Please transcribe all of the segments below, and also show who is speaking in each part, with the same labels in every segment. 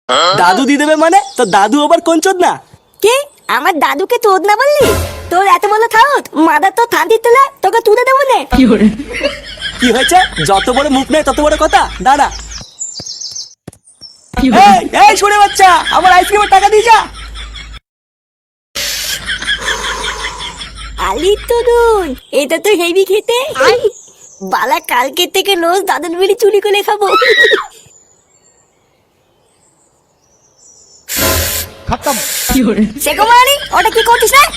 Speaker 1: দাদু দিয়ে দেবে মানে? তো দাদু আবার কোন চোদ না?
Speaker 2: কে? আমার দাদুকে চোদ না বললি? তোর এত বড় খাওত মাদার তো থান্তির তোলা তোকে তুলে দেবো না।
Speaker 1: কি হয়েছে? যত বড় মুখ নেই তত বড় কথা। দাঁড়া। এই শুনে বাচ্চা, আমার আইসক্রিমের টাকা দিয়ে যা।
Speaker 2: আলি তরুণ, এটা তো হেভি খেতে। বালা কালকে থেকে রোজ দাদুর বিড়ি চুরি করে খাবো। সে কুমারী, ওটা কি করছিস রে?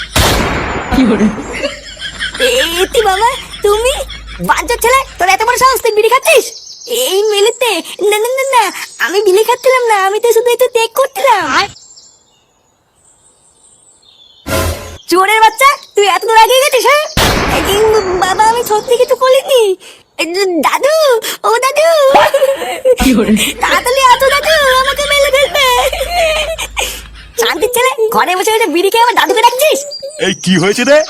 Speaker 2: এতি বাবা, তুমি বাঞ্চোর ছেলে, তোর এত বড় সাহস, তুই বিড়ি খাচ্ছিস? এই মেলেতে না না না না, আমি বিড়ি খাচ্ছিলাম না, আমি তো শুধু একটু টেক করছিলাম। চোরের বাচ্চা, তুই এত দূর এগিয়ে গেছিস? হ্যাঁ বাবা, আমি সত্যি কিছু বলিনি। দাদু, ও দাদু, তাড়াতাড়ি আসো দাদু, আমাকে মেলে ফেলবে। শান্তির ছেলে, ঘরে বসে বসে বিড়ি খেয়ে আমার দাদুকে ডাকছিস?
Speaker 3: এই কি হয়েছে রে?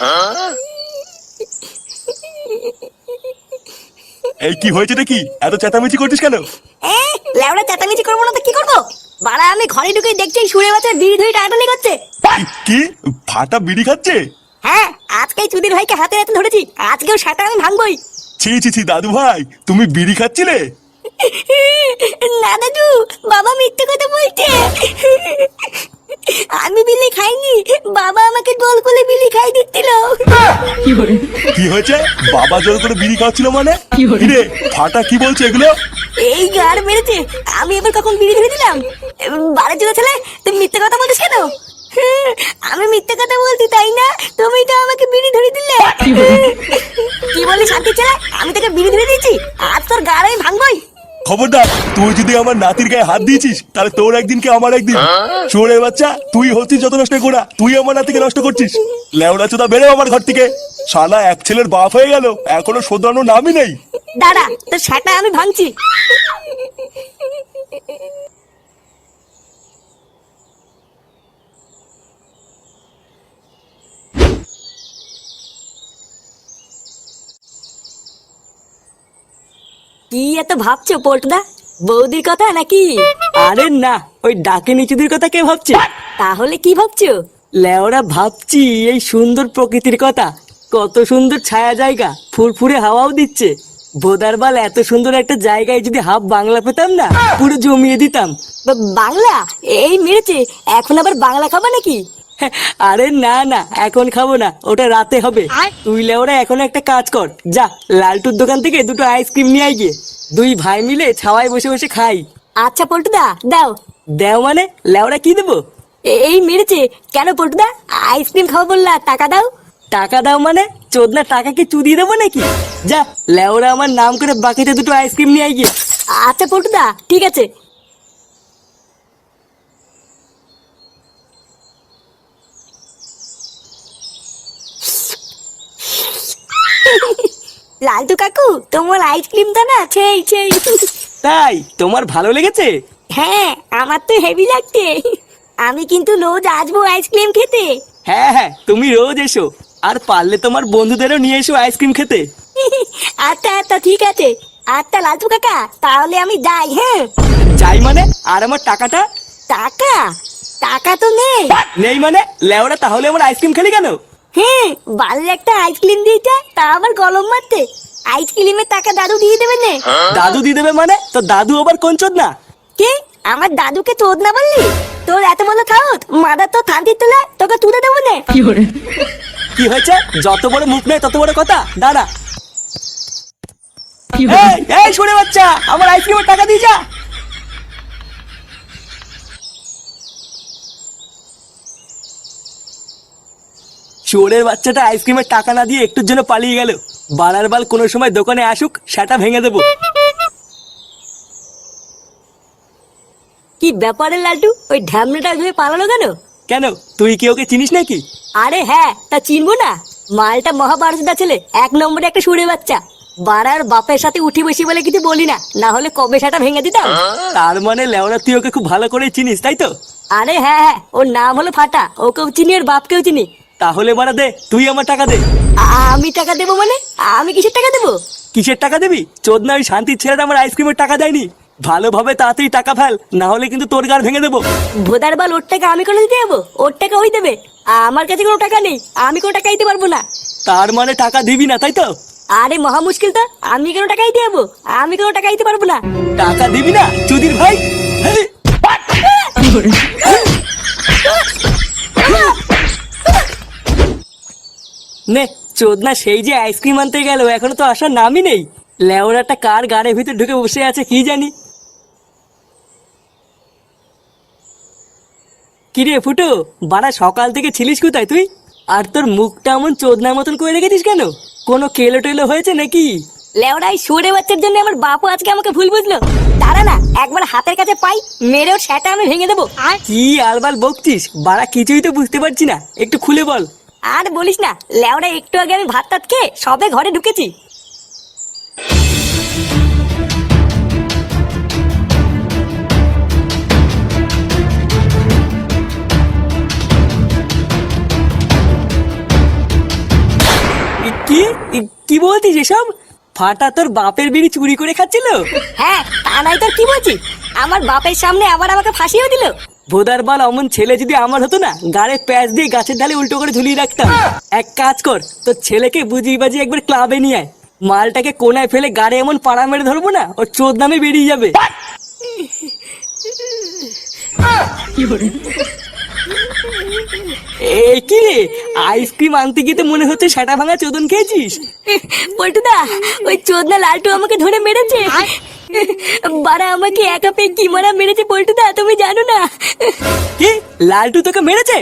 Speaker 3: এই কি হয়েছে রে? কি এত চেঁচামেচি করছিস কেন?
Speaker 2: লেওড়া চেঁচামেচি করবো না তো কি করবো? বাড়া, আমি ঘরে ঢুকে দেখছি সুরে বাচ্চা বিড়ি ধরে টানাটানি করছে।
Speaker 3: কি ফাটা বিড়ি খাচ্ছে?
Speaker 2: হ্যাঁ, আজকেই চুদির ভাইকে হাতে হাতে ধরেছি, আজকেও সেটা আমি ভাঙবই।
Speaker 3: ছি ছি ছি দাদু ভাই, তুমি বিড়ি খাচ্ছিলে?
Speaker 2: না দাদু, বাবা মিথ্যে কথা বলছে। আমি বিলি খাইনি, বাবা আমাকে গোল করে বিলি খাই দিচ্ছিল।
Speaker 3: কি হয়েছে? বাবা জোর করে বিড়ি খাওয়াচ্ছিল মানে? রে ফাটা কি বলছে এগুলো?
Speaker 2: এই গার মেরেছে, আমি এবার কখন বিড়ি ধরে দিলাম? বাড়ির জন্য ছেলে, তুমি মিথ্যে কথা বলছিস কেন? আমি মিথ্যে কথা বলছি তাই না? তুমি তো আমাকে বিড়ি ধরে দিলে। কি বলি শান্তি ছেলে, আমি তোকে বিড়ি ধরে দিয়েছি, আজ তোর গার আমি ভাঙবই।
Speaker 3: খবরদার, তুই যদি আমার নাতির গায়ে হাত দিয়েছিস তাহলে তোর একদিন কি আমার একদিন। চোরের বাচ্চা, তুই হচ্ছিস যত নষ্ট করা, তুই আমার নাতিকে নষ্ট করছিস। লেওড়া চোদা, বেরো আমার ঘর থেকে। শালা এক ছেলের বাপ হয়ে গেল, এখনো শোধরানোর নামই নেই।
Speaker 2: দাঁড়া, তোর সেটা আমি ভাঙছি। কি এত ভাবছো পল্টুদা? বৌদির কথা নাকি?
Speaker 1: আরে না, ওই ডাকে নিচুদের কথা কে ভাবছে?
Speaker 2: তাহলে কি ভাবছো?
Speaker 1: লেওরা ভাবছি এই সুন্দর প্রকৃতির কথা। কত সুন্দর ছায়া জায়গা, ফুরফুরে হাওয়াও দিচ্ছে। ভোদারবাল, এত সুন্দর একটা জায়গায় যদি হাফ বাংলা পেতাম না, পুরো জমিয়ে দিতাম।
Speaker 2: বাংলা? এই মেরেছে, এখন আবার বাংলা খাবা নাকি?
Speaker 1: আরে না না, এখন খাবো না, ওটা রাতে হবে। তুই লেওরা এখন একটা কাজ কর, যা লালটুর দোকান থেকে দুটো আইসক্রিম নিয়ে আয় গিয়ে। দুই ভাই মিলে ছাওয়ায় বসে বসে খাই।
Speaker 2: আচ্ছা পল্টুদা, দাও।
Speaker 1: দেও মানে? লেওরা কি দেবো?
Speaker 2: এই মেরেছে, কেন পল্টুদা? আইসক্রিম খাবো বললা, টাকা দাও।
Speaker 1: টাকা দাও মানে? চোদনা, টাকা কি চুদিয়ে দেবো নাকি? যা লেওরা আমার নাম করে বাকিতে দুটো আইসক্রিম নিয়ে আয় গিয়ে।
Speaker 2: আচ্ছা পল্টুদা, ঠিক আছে। লালটু কাকু, তোমার আইসক্রিমটা না সেই সেই।
Speaker 1: তাই তোমার ভালো লেগেছে?
Speaker 2: হ্যাঁ, আমার তো হেভি লাগছে। আমি কিন্তু রোজ আসবো আইসক্রিম খেতে।
Speaker 1: হ্যাঁ হ্যাঁ, তুমি রোজ এসো, আর পারলে তোমার বন্ধুদেরও নিয়ে এসো আইসক্রিম খেতে।
Speaker 2: আচ্ছা আচ্ছা, ঠিক আছে। আচ্ছা লালটু কাকা, তাহলে আমি যাই। হ্যাঁ
Speaker 1: যাই মানে? আর আমার টাকাটা?
Speaker 2: টাকা? টাকা তো নেই।
Speaker 1: নেই মানে? লেওরা, তাহলে আমার আইসক্রিম খেলি কেন?
Speaker 2: হ্যাঁ, বাড়ির একটা আইসক্রিম দিয়েছে, তা আবার গলম মারতে। আইসক্রিমের টাকা দাদু দিয়ে দেবে না।
Speaker 1: দাদু দিয়ে দেবে মানে? তো দাদু আবার কোন চোদ না?
Speaker 2: কে? আমার দাদুকে চোদ না বললি? তোর এত বড় খাওত মাদার তো থান্তির তোলা তোকে তুলে দেবো না।
Speaker 1: কি হয়েছে? যত বড় মুখ নেই তত বড় কথা। দাঁড়া। এই শুনে বাচ্চা, আমার আইসক্রিমের টাকা দিয়ে যা। চোরের বাচ্চাটা আইসক্রিমের টাকা না দিয়ে একটুর জন্য পালিয়ে গেল। বাড়ার বাল কোনো সময় দোকানে আসুক, সেটা ভেঙে দেবো।
Speaker 2: কি ব্যাপারে লালটু, ওই ঢ্যামনাটা ধরে পালালো কেন?
Speaker 1: কেন, তুই কি ওকে চিনিস নাকি?
Speaker 2: আরে হ্যাঁ, তা চিনবো না? মালটা মহাভারতটা ছেলে, এক নম্বরে একটা সুরে বাচ্চা। বাড়ার বাপের সাথে উঠি বসি বলে কিছু বলি না, না হলে কবে সেটা ভেঙে দিতাম।
Speaker 1: তার মানে লেওরা, তুই ওকে খুব ভালো করে চিনিস, তাই তো?
Speaker 2: আরে হ্যাঁ হ্যাঁ, ওর নাম হলো ফাটা, ওকেও চিনি আর বাপকেও চিনি।
Speaker 1: তাহলে মারা দে, তুই আমার টাকা দে।
Speaker 2: আমি টাকা দেবো মানে? আমি কিসের টাকা দেবো?
Speaker 1: কিসের টাকা দিবি? চোদ না, ওই শান্তির ছেলেটা আমার আইসক্রিমের টাকা দেয়নি। ভালোভাবে তাড়াতাড়ি টাকা ফেল, না হলে কিন্তু তোর গাড় ভেঙে দেবো।
Speaker 2: ভোদার বাল ওর টাকা আমি কোনো দিতে যাবো? ওর টাকা ওই দেবে, আমার কাছে কোনো টাকা নেই, আমি কোনো টাকা দিতে পারবো না।
Speaker 1: তার মানে টাকা দিবি না, তাই তো?
Speaker 2: আরে মহা মুশকিল তো, আমি কেন টাকা দিতে যাবো? আমি কোনো টাকা দিতে পারবো না।
Speaker 1: টাকা দিবি না চুদির ভাই? হেই! নে চোদনা সেই যে আইসক্রিম আনতে গেল, এখনো তো আসার নামই নেই। লেওরাটা কার গাড়ির ভিতর ঢুকে বসে আছে কি জানি। কিরে ফুটো, বাড়া সকাল থেকে ছিলিস কোথায় তুই? আর তোর মুখটা এমন চোদনার মতন করে রেখেছিস কেন? কোনো কেলো টেলো হয়েছে নাকি?
Speaker 2: লেওড়াই সরে বাচ্চার জন্য আমার বাপু আজকে আমাকে ভুল বুঝলো। দাঁড়া না, একবার হাতের কাছে পাই, মেরেও সেটা আমি ভেঙে দেবো।
Speaker 1: কি আলবাল বকছিস? বাড়া কিছুই তো বুঝতে পারছি না, একটু খুলে বল।
Speaker 2: আর বলিস না, লেওড়া একটু আগে আমি ভাত টাত খেয়ে সবে ঘরে ঢুকেছি।
Speaker 1: কি কি বলছিস এসব? ফাটা তোর বাপের বিড়ি চুরি করে খাচ্ছিল?
Speaker 2: হ্যাঁ, তা নাই তোর কি বলছি? আমার বাপের সামনে আবার আমাকে ফাঁসিও দিল।
Speaker 1: ভোদার বাল, অমন ছেলে যদি আমার হতো না, গাড়ে প্যাচ দিয়ে গাছের ঢালে উল্টো করে ঝুলিয়ে রাখতাম। এক কাজ কর, তোর ছেলেকে বুঝিয়ে বাজিয়ে একবার ক্লাবে নিয়ে আয়। মালটাকে কোনায় ফেলে গাড়ি এমন পাড়া মেরে ধরবো না, ওর চোদ নামে বেরিয়ে যাবে। এই কি রে, আইসক্রিম আনতে গিয়ে তো মনে হচ্ছে সেটা ভাঙা চোদন খেয়েছিস।
Speaker 2: পল্টুদা, ওই চোদনা লালটু আমাকে ধরে মেরেছে। বাড়া আমাকে একা পেয়ে কি মারা মেরেছে পল্টুদা, তুমি জানো না?
Speaker 1: কি, লালটু তোকে মেরেছে?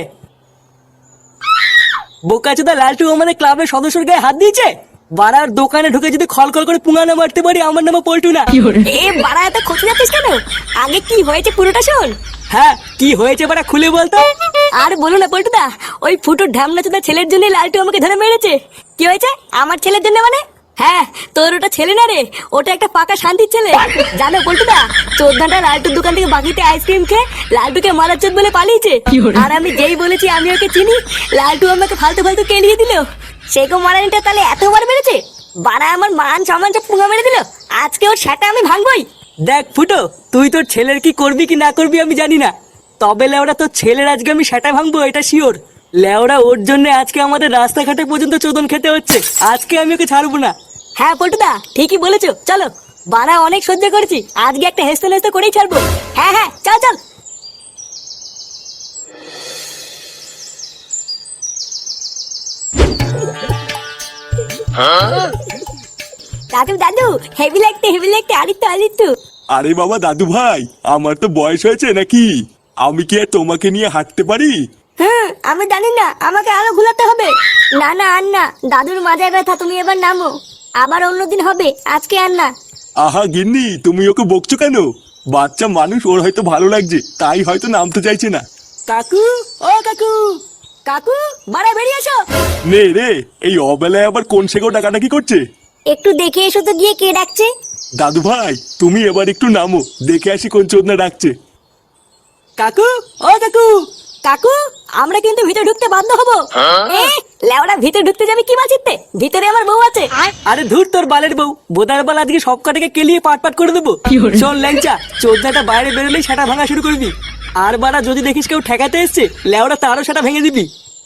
Speaker 1: বোকাচোদা, লালটু আমাদের ক্লাবের সদস্যর গায়ে হাত দিয়েছে? বাড়ার দোকানে ঢুকে যদি খলখল করে পুঙ্গানো মারতে পারি, আমার নামে পল্টু না।
Speaker 2: এ বাড়া, এত খোঁজ যাচ্ছিস কেন? আগে কি হয়েছে পুরোটা শোন।
Speaker 1: হ্যাঁ, কি হয়েছে বাড়া খুলে বলতো।
Speaker 2: আর বলো না পল্টুদা, ওই ফুটোর ঢামনা চোদা ছেলের জন্য লালটু আমাকে ধরে মেরেছে। কি হয়েছে আমার ছেলের জন্য মানে? হ্যাঁ, তোর ওটা ছেলে না রে, ওটা একটা পাকা শান্তির ছেলে। জানো পল্টুদা, চোদ্দাটা লালটুর দোকান থেকে বাকিতে আইসক্রিম খেয়ে লালটুকে মারার চোদ বলে পালিয়েছে। আর আমি যেই বলেছি আমি ওকে চিনি, লালটু আমাকে ফালতু ফালতু কেলিয়ে দিল। সেগো মারানিটা তাহলে এতবার মেরেছে? বাড়া আমার মান সম্মান সব পুঙ্গা মেরে দিল। আজকে ওর সেটা আমি ভাঙবই।
Speaker 1: দেখ ফুটো, তুই তোর ছেলের কি করবি কি না করবি আমি জানি না, তবে লেওড়া তোর ছেলের আজকে আমি সেটা ভাঙবো, এটা শিওর। লেওড়া ওর জন্য আজকে আমাদের রাস্তাঘাটে পর্যন্ত চোদন খেতে হচ্ছে। আজকে আমি ওকে ছাড়বো না।
Speaker 2: হ্যাঁ পল্টুদা, ঠিকই বলেছো, চলো। বাড়া অনেক সহ্য করেছি, আজকে একটা হেসতে হেসতে করেই ছাড়বো। হ্যাঁ হ্যাঁ, চল চল। দাদু দাদু, হেভি লাগতে আলিত্য।
Speaker 3: আরে বাবা দাদু ভাই, আমার তো বয়স হয়েছে নাকি? আমি কি আর তোমাকে নিয়ে হাঁটতে পারি?
Speaker 2: আমি জানি না, আমাকে আরো ঘুলাতে হবে। না না, আর না, দাদুর মাজায় ব্যথা, তুমি এবার নামো। আবার অন্যদিন হবে, আজকে আর না।
Speaker 3: আহা গিন্নি, তুমি ওকে বকছো কেন? বাচ্চা মানুষ, ওর হয়তো ভালো লাগছে, তাই হয়তো নামতে চাইছে না।
Speaker 1: কাকু, ও কাকু।
Speaker 2: কাকু, বাড়া বেরিয়ে এসো।
Speaker 3: নে রে, এই অবেলায় আবার কোন সেগো ডাকাডাকি করছে?
Speaker 2: একটু দেখে এসো তো গিয়ে কে ডাকছে।
Speaker 3: দাদু ভাই, তুমি এবার একটু নামো, দেখে আসি কোন চোদনা ডাকছে।
Speaker 1: কাকু, ও কাকু।
Speaker 2: কাকু, আমরা কিন্তু ভিতরে ঢুকতে বাধ্য হবো। লেওড়া ভিতরে ঢুকতে যাবে কি বাঁচিতে? ভিতরে আমার বউ আছে।
Speaker 1: আরে ধুর তোর বালের বউ, বোদার বাল আজকে সব কটাকে কেলিয়ে পাট পাট করে দেবো। শোন ল্যাংচা, চোদনাটা বাইরে বেরোলেই সেটা ভাঙা শুরু করবি। আর বাড়া যদি দেখিস কেউ ঠেকাতে এসছে, লেওড়া তারও সেটা ভেঙে দিবি।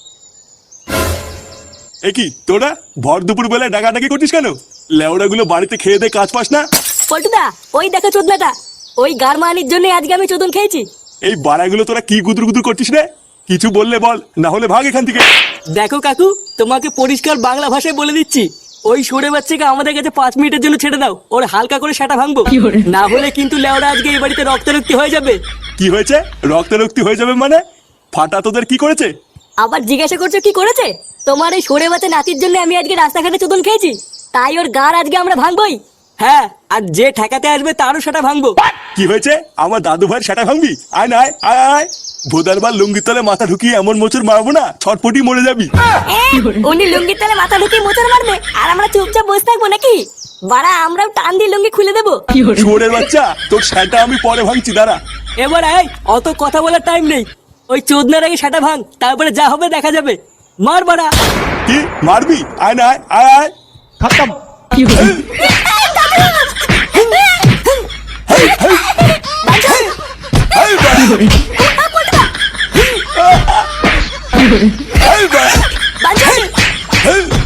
Speaker 3: এ কি তোরা ভর দুপুর বেলায় ডাকাডাকি করছিস কেন? লেওড়া গুলো বাড়িতে খেয়ে দে কাজ পাস না?
Speaker 2: পল্টুদা, ওই দেখো চোদনাটা, ওই গারমানির জন্য আজকে আমি চোদন খেয়েছি।
Speaker 3: এই বাড়াগুলো তোরা কি গুদুর গুদুর করছিস রে? কিছু বললে বল, না হলে ভাগ এখান থেকে।
Speaker 1: দেখো কাকু, তোমাকে পরিষ্কার বাংলা ভাষায় বলে দিচ্ছি, ওই সরে বাচ্চাকে আমাদের কাছে 5 মিনিটের জন্য ছেড়ে দাও, ওর হালকা করে সেটা ভাঙবো। না হলে কিন্তু লেওড়া আজকে এই বাড়িতে রক্তারক্তি হয়ে যাবে।
Speaker 3: কি হয়েছে? রক্তারক্তি হয়ে যাবে মানে? ফাটা তোদের কি করেছে?
Speaker 2: আবার জিজ্ঞাসা করছো কি করেছে? তোমার এই সরে বাচ্চা নাতির জন্য আমি আজকে রাস্তাঘাটে চোদন খেয়েছি, তাই ওর গার আজকে আমরা ভাঙবই।
Speaker 1: হ্যাঁ, আর যে ঠেকাতে আসবে তারও সেটা ভাঙবো।
Speaker 3: কি হয়েছে? আমার দাদু ভাইয়ের সেটা ভাঙবি? আয় না, আয় আয় আয়। ভোদারবার লুঙ্গির তলে মাথা ঢুকিয়ে এমন মোচড় মারবো না, ছটপটি মরে যাবি।
Speaker 2: উনি লুঙ্গির তলে মাথা ঢুকিয়ে মোচড় মারবে, আর আমরা চুপচাপ বসে থাকবো নাকি? বাড়া, আমরাও টান দিয়ে লুঙ্গি খুলে দেবো।
Speaker 3: শুয়োরের বাচ্চা, তোর সেটা আমি পরে ভাঙছি, দাঁড়া।
Speaker 1: এবার আয়, অত কথা বলার টাইম নেই। ওই চোদনার আগে সেটা ভাঙ, তারপরে যা হবে দেখা যাবে। মার বাড়া।
Speaker 3: কি মারবি? আয় না, আয় আয় আয়।
Speaker 1: খতম।
Speaker 2: বাঞ্চন!